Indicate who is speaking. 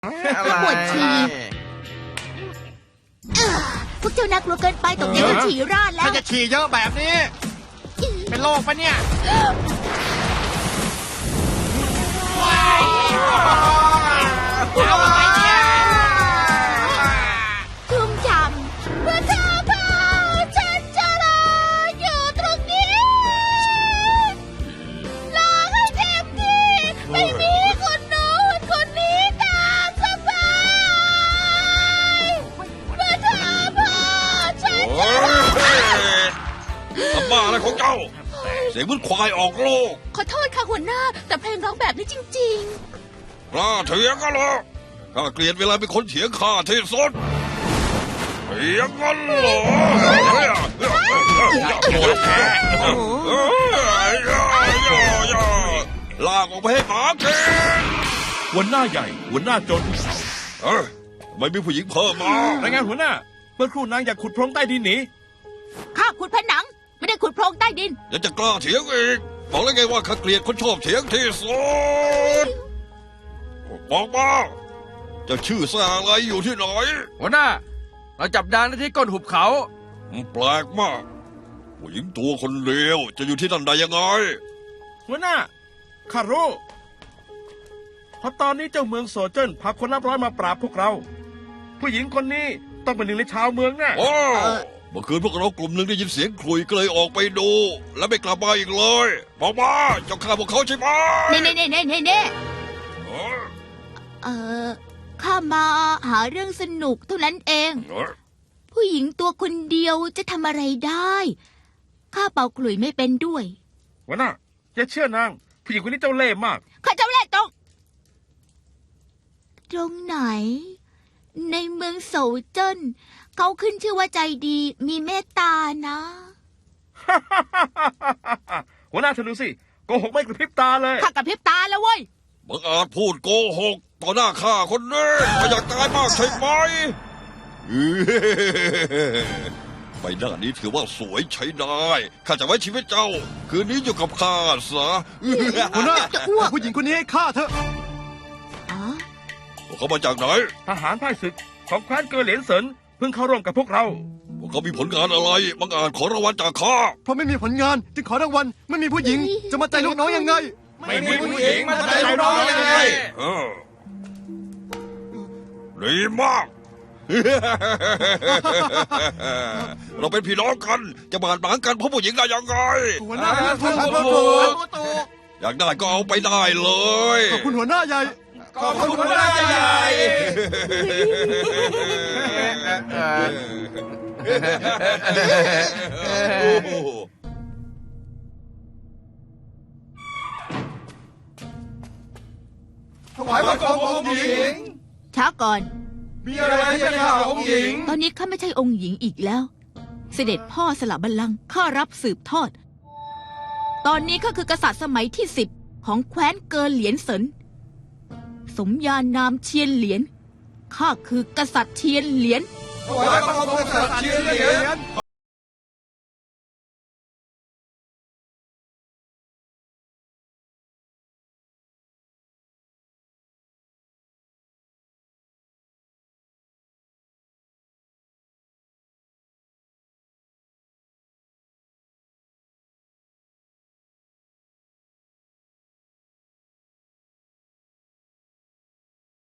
Speaker 1: ปวดฉี่พวกเจ้าน่ากลัวเกินไปตกใจจนฉี่ราดแล้ว
Speaker 2: ถ้าจะฉี่เยอะแบบนี้ เป็นโรคปะเนี่ยเอาไปเนี่ย
Speaker 1: ชุ่มฉ่ำเมื่อเธอพาฉันจะรออยู่ตรงนี้รอให้เต็มที่ไม่มีคนโน้นคนนี้ตามสบายเมื่อเธอพาฉันจะรอ
Speaker 3: ทำบ้าอะไรของเจ้า เสียงเหมือนควายออกโลก
Speaker 1: ขอโทษค่ะหัวหน้าแต่เพลงร้องแบบนี้จริงๆ
Speaker 3: กล้าเถียงกันเหรอข้าเกลียดเวลาเป็นคนเถียงข้าที่สุดเถียงกันเหรอลากออกไปให้หมากิน
Speaker 4: หัวหน้าใหญ่หัวหน้าจน
Speaker 3: ทำไมมีผู้หญิงเพิ่มมาร
Speaker 4: ายงานหัวหน้าเมื่อครู่นางอยากขุดโพรงใต้ดินหนี
Speaker 1: ข้าขุดผนังไม่ได้ขุดโพรงใต้ดิน
Speaker 3: ยังจะกล้าเถียงอีกบอกแล้วไงว่าข้าเกลียดคนชอบเถียงที่สุดบอกมาเจะชื่อแซ่อะไรอยู่ที่ไหน
Speaker 2: หัวหน้า เราจับดานได้ที่ก้นหุบเขา
Speaker 3: แปลกมากผู้หญิงตัวคนเลวจะอยู่ที่นั่นได้ยังไง
Speaker 4: หัวหน้าข้ารู้เพราะตอนนี้เจ้าเมืองโซเจิ้นพาคนนับร้อยมาปราบพวกเรา ผู้หญิงคนนี้ต้องเป็นหนึ่งในชาวเมืองแน่
Speaker 3: โอ้เมื่อคืนพวกเรากลุ่มหนึ่งได้ยินเสียงคลุยก็เลยออกไปดู แล้วไม่กลับมาอีกเลยบอกมาเจ้าฆ่าพวกเขาใช่ไหม
Speaker 1: เน่ข้ามาหาเรื่องสนุกเท่านั้นเอง ผู้หญิงตัวคนเดียวจะทำอะไรได้ข้าเป่าขลุ่ยไม่เป็นด้วย
Speaker 4: หัวหน้าอย่าเชื่อนางผู้หญิงคนนี้เจ้าเล่ห์มาก
Speaker 1: ข้าเจ้าเล่ห์ตรงไหน ในเมืองโซเจิ้นเขาขึ้นชื่อว่าใจดีมีเมตตานะ
Speaker 4: หัวหน้าเธอดูสิโกหกไม่กระพริบตาเลย
Speaker 1: ข้ากระพริบตาแล้วเว้ย
Speaker 3: บังอาจพูดโกหกต่อหน้าข้าคนนี้ไม่อยากตายมากใช่ไหมใบหน้านี้ถือว่าสวยใช้ได้ข้าจะไว้ชีวิตเจ้า คืนนี้อยู่กับข้าซะ
Speaker 2: หัวหน้า
Speaker 1: จะอ้วก
Speaker 2: ผู้หญิงคนนี้ให้ฆ่าเถอะ
Speaker 1: อ๋อ
Speaker 3: พวกเขามาจากไหน
Speaker 4: ทหารพ่ายศึกของแคว้นเกอเหลียนเสินเพิ่งเข้าร่วมกับพวกเรา
Speaker 3: พวกเขามีผลงานอะไรบังอาจขอรางวัลจากข้า
Speaker 2: เพราะไม่มีผลงานจึงขอรางวัลไม่มีผู้หญิงจะมาใจลูกน้องยังไง
Speaker 4: ไม่มีผู้หญิงมาใจร้อนยังไง
Speaker 3: ดีมาก เราเป็นพี่น้องกันจะบาดหมางกันเพราะผู้หญิงได้ยังไง
Speaker 2: หัวหน้าถูก
Speaker 3: อยากได้ก็เอาไปได้เลย
Speaker 2: ขอบคุณหัวหน้าใหญ่
Speaker 4: ขอบคุณหัวหน้าใหญ่
Speaker 2: ถวายบังคมองค์หญิง
Speaker 1: ช้าก่อน
Speaker 2: มีอะไรที่จะฆ่าองค์หญิง
Speaker 1: ตอนนี้ข้าไม่ใช่องค์หญิงอีกแล้ว เสด็จพ่อสละบัลลังก์ข้ารับสืบทอด ตอนนี้ข้าคือกษัตริย์สมัยที่10ของแคว้นเกอเหลียนเสินสมญานามเชียนเหลียนข้าคือกษัตริย์เชียนเหลียน
Speaker 2: ถวายบังคมกษัตริย์เชียนเหลียน